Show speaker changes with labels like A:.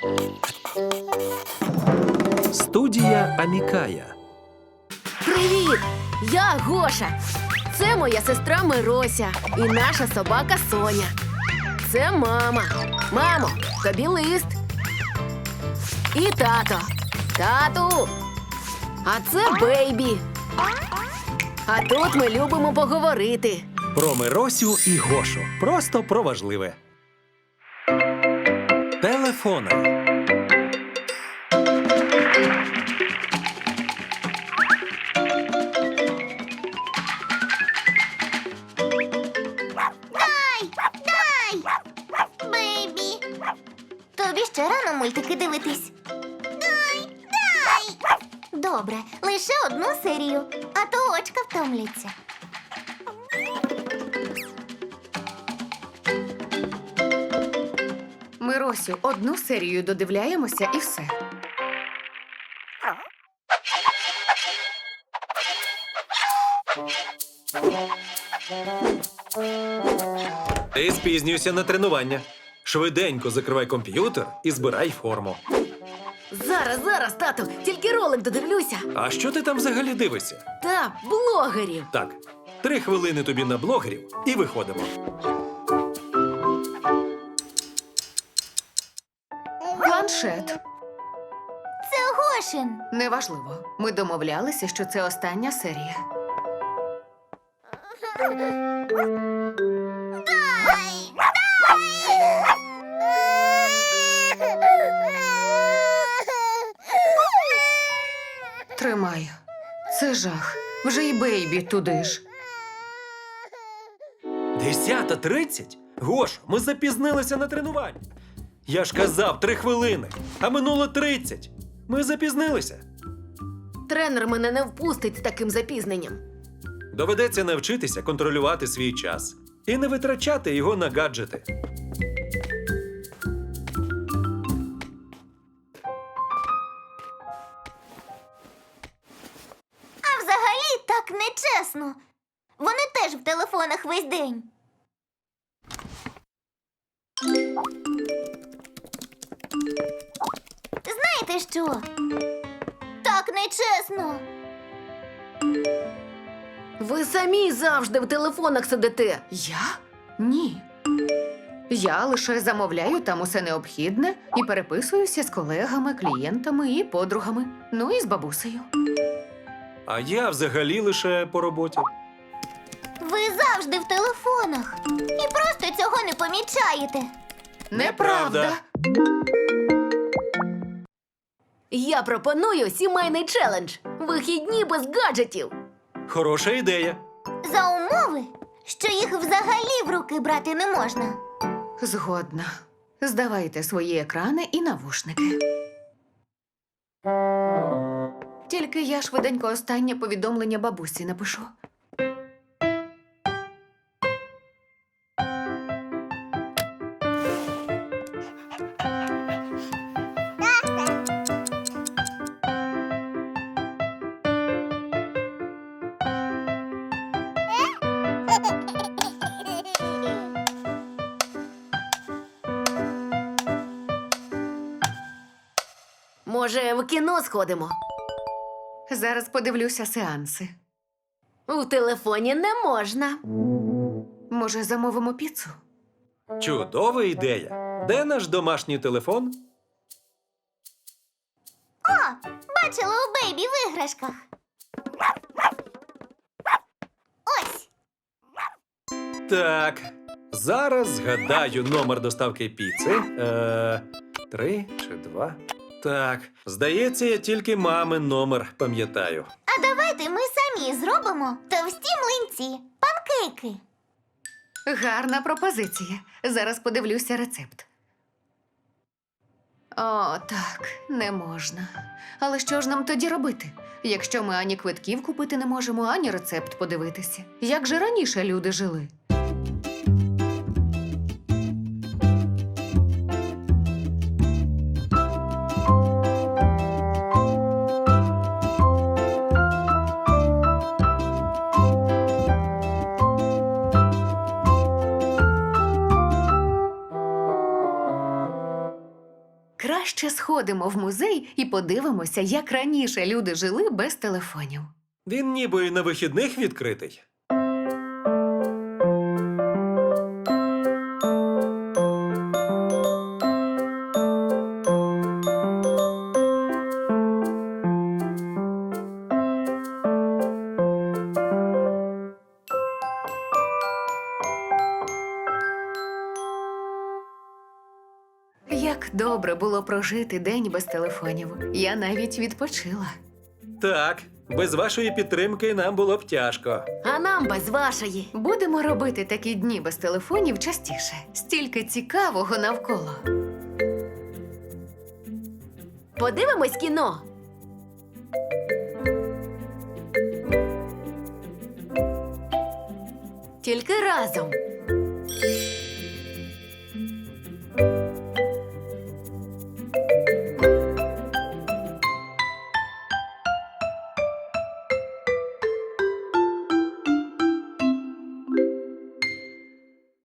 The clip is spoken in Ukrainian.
A: Студія Амікая.
B: Привіт! Я Гоша. Це моя сестра Мирося і наша собака Соня. Це мама. Мамо, тобі лист. І тато. Тату. А це Бейбі. А тут ми любимо поговорити.
A: Про Миросю і Гошу. Просто про важливе. Телефони.
C: Бейбі, тобі ще рано мультики дивитись. Дай! Добре, лише одну серію, а то очка втомляться.
B: Миросю, одну серію додивляємося і все.
A: Ти спізнюєшся на тренування. Швиденько закривай комп'ютер і збирай форму.
B: Зараз, тату, тільки ролик додивлюся.
A: А що ти там взагалі дивишся?
B: Та, блогерів.
A: Так, 3 хвилини тобі на блогерів і виходимо.
B: Планшет.
C: Це Гошин.
B: Неважливо. Ми домовлялися, що це остання серія. Тримай. Це жах. Вже й Бейбі туди ж.
A: 10:30? Гош, ми запізнилися на тренування. Я ж казав 3 хвилини, а минуло 30. Ми запізнилися.
B: Тренер мене не впустить з таким запізненням.
A: Доведеться навчитися контролювати свій час і не витрачати його на гаджети.
C: А взагалі так нечесно. Вони теж в телефонах весь день. Знаєте що? Так нечесно.
B: Ви самі завжди в телефонах сидите. Я? Ні. Я лише замовляю там усе необхідне і переписуюся з колегами, клієнтами і подругами. Ну і з бабусею.
A: А я взагалі лише по роботі.
C: Ви завжди в телефонах. І просто цього не помічаєте.
A: Неправда.
B: Я пропоную сімейний челендж. Вихідні без гаджетів.
A: Хороша ідея.
C: За умови, що їх взагалі в руки брати не можна.
B: Згодна. Здавайте свої екрани і навушники. Тільки я швиденько останнє повідомлення бабусі напишу. Може, в кіно сходимо? Зараз подивлюся сеанси. У телефоні не можна. Може, замовимо піцу?
A: Чудова ідея. Де наш домашній телефон?
C: О, бачила у Бейбі в іграшках. Ось.
A: Так, зараз згадаю номер доставки піци. 3 чи 2? Так, здається, я тільки мамин номер пам'ятаю.
C: А давайте ми самі зробимо товсті млинці, панкейки.
B: Гарна пропозиція. Зараз подивлюся рецепт. О, так, не можна. Але що ж нам тоді робити, якщо ми ані квитків купити не можемо, ані рецепт подивитися? Як же раніше люди жили? Краще сходимо в музей і подивимося, як раніше люди жили без телефонів.
A: Він ніби і на вихідних відкритий.
B: Як добре було прожити день без телефонів. Я навіть відпочила.
A: Так, без вашої підтримки нам було б тяжко.
B: А нам без вашої. Будемо робити такі дні без телефонів частіше. Стільки цікавого навколо.
C: Подивимось кіно.
B: Тільки разом.